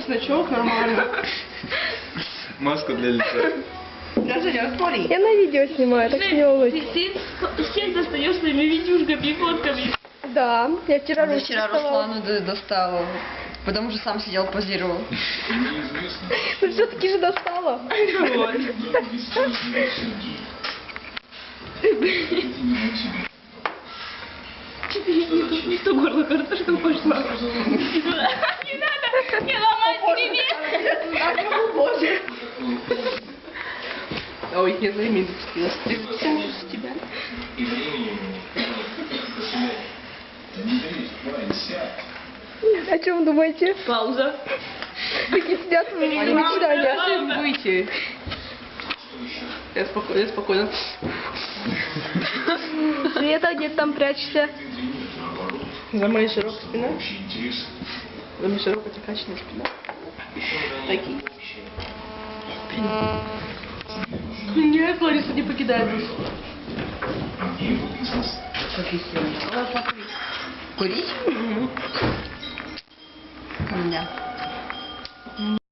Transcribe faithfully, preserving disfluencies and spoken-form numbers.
чесночок, нормально. Маску для лица. Я Женя, смотри. Я на видео снимаю, так что не волнуйтесь. Ты всех достаешь своими видюшками и фотками. Да, я вчера Я Руслану вчера Руслану д- достала, потому что сам сидел, позировал. Ну все-таки же достала. Не то горло, кажется, что пошла. Не надо, не ломай себе. Боже. Ой, я за имя зацепилась. Ты зацепилась с тебя? О чем думаете? Пауза. Такие сидят в мечтаниях. Пауза, выйти. Я спокойно, я спокойно. Света, где ты там прячешься? За моей широкой спиной. За моей широкой закачанной спиной. Такие. Нет, Лариса не покидает нас. Курить? У меня.